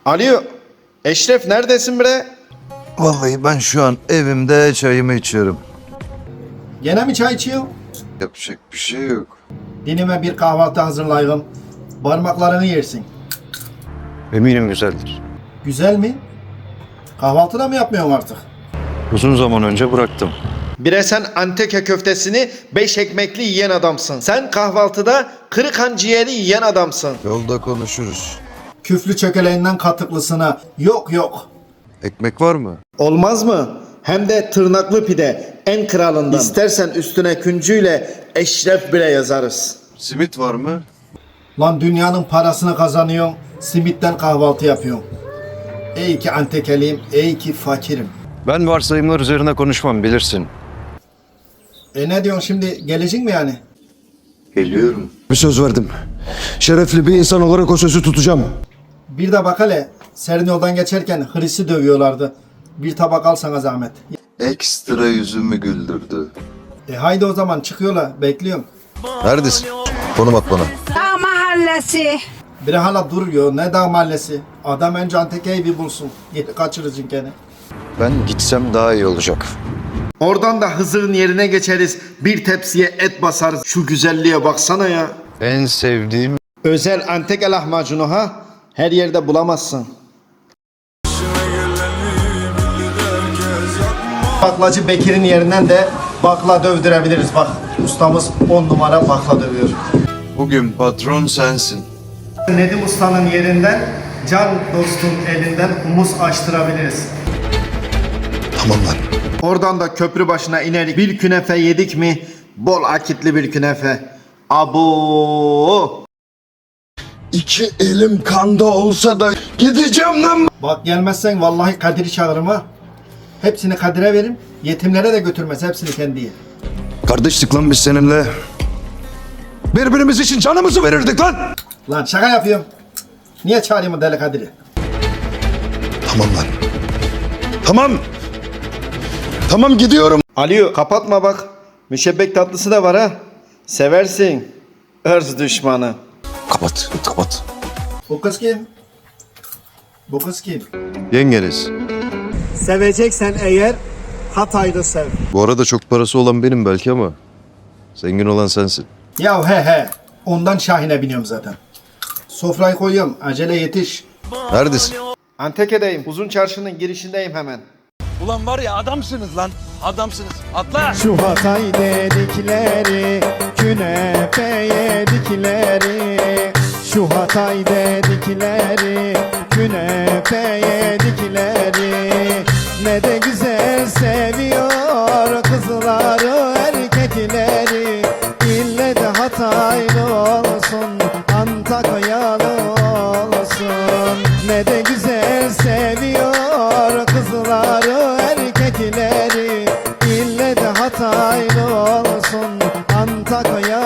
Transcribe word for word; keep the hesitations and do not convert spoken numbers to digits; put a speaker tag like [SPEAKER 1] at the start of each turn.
[SPEAKER 1] Alo, Eşref neredesin bre?
[SPEAKER 2] Vallahi ben şu an evimde çayımı içiyorum.
[SPEAKER 1] Gene mi çay içiyorsun?
[SPEAKER 2] Yapacak bir şey yok.
[SPEAKER 1] Dinime bir kahvaltı hazırlayalım. Parmaklarını yersin.
[SPEAKER 2] Eminim güzeldir.
[SPEAKER 1] Güzel mi? Kahvaltı da mı yapmıyorsun artık?
[SPEAKER 2] Uzun zaman önce bıraktım.
[SPEAKER 1] Bire sen Anteka köftesini beş ekmekli yiyen adamsın. Sen kahvaltıda kırık ciğeri yiyen adamsın.
[SPEAKER 2] Yolda konuşuruz.
[SPEAKER 1] Küflü çökeleğinden katıklısına yok yok.
[SPEAKER 2] Ekmek var mı?
[SPEAKER 1] Olmaz mı? Hem de tırnaklı pide en kralından. İstersen üstüne küncüyle Eşref bile yazarız.
[SPEAKER 2] Simit var mı?
[SPEAKER 1] Lan dünyanın parasını kazanıyorsun, simitten kahvaltı yapıyorsun. Ey ki Antekeliyim, ey ki fakirim.
[SPEAKER 2] Ben varsayımlar üzerine konuşmam, bilirsin.
[SPEAKER 1] E ne diyorsun şimdi, gelecek mi yani?
[SPEAKER 2] Geliyorum.
[SPEAKER 3] Bir söz verdim. Şerefli bir insan olarak o sözü tutacağım.
[SPEAKER 1] Bir de bak hele, serin yoldan geçerken Hristi dövüyorlardı. Bir tabak al sana zahmet.
[SPEAKER 2] Ekstra yüzümü güldürdü.
[SPEAKER 1] E haydi o zaman çıkıyorlar, bekliyorum.
[SPEAKER 2] Neredesin? Konum at bana.
[SPEAKER 4] Dağ mahallesi.
[SPEAKER 1] Biri hala duruyor, ne dağ mahallesi. Adam önce Anteke'yi bir bulsun, geri kaçırırsın gene.
[SPEAKER 2] Ben gitsem daha iyi olacak.
[SPEAKER 1] Oradan da Hızır'ın yerine geçeriz. Bir tepsiye et basarız. Şu güzelliğe baksana ya.
[SPEAKER 2] En sevdiğim...
[SPEAKER 1] Özel Anteke lahmacunu ha. Her yerde bulamazsın. Baklacı Bekir'in yerinden de bakla dövdürebiliriz. Bak ustamız on numara bakla dövüyor.
[SPEAKER 2] Bugün patron sensin.
[SPEAKER 1] Nedim Usta'nın yerinden Can Dost'un elinden humus açtırabiliriz.
[SPEAKER 3] Tamam lan.
[SPEAKER 1] Oradan da köprü başına inerik. Bir künefe yedik mi? Bol akitli bir künefe. Abo!
[SPEAKER 3] İki elim kanda olsa da gideceğim lan.
[SPEAKER 1] Bak gelmezsen vallahi Kadir'i çağırırım ha. Hepsini Kadir'e verim. Yetimlere de götürmez. Hepsini kendi yer.
[SPEAKER 3] Kardeşlik lan biz seninle. Birbirimiz için canımızı verirdik lan.
[SPEAKER 1] Lan şaka yapıyorum. Niye çağırayım o deli Kadir'i?
[SPEAKER 3] Tamam lan. Tamam. Tamam gidiyorum.
[SPEAKER 1] Alo kapatma bak. Müşebbek tatlısı da var ha. Seversin. Örz düşmanı.
[SPEAKER 3] Kapat, kapat.
[SPEAKER 1] Bu kız kim? Bu kız kim?
[SPEAKER 2] Yengeniz.
[SPEAKER 1] Seveceksen eğer Hatay'da sev.
[SPEAKER 2] Bu arada çok parası olan benim belki ama zengin olan sensin.
[SPEAKER 1] Ya he he. Ondan Şahin'e biniyorum zaten. Sofrayı koyuyorum. Acele yetiş.
[SPEAKER 2] Neredesin?
[SPEAKER 1] Anteke'deyim. Uzun çarşının girişindeyim hemen.
[SPEAKER 5] Ulan var ya adamsınız lan. Adamsınız. Atla.
[SPEAKER 1] Şu Hatay dedikleri, künefe yedikleri. Şu Hatay dedikleri, künefe yedikleri. Ne de güzel seviyor kızları erkekleri. İlle de Hataylı olsun, Antakyalı olsun. Ne de güzel seviyor kızları erkekleri. İlle de Hataylı olsun, Antakya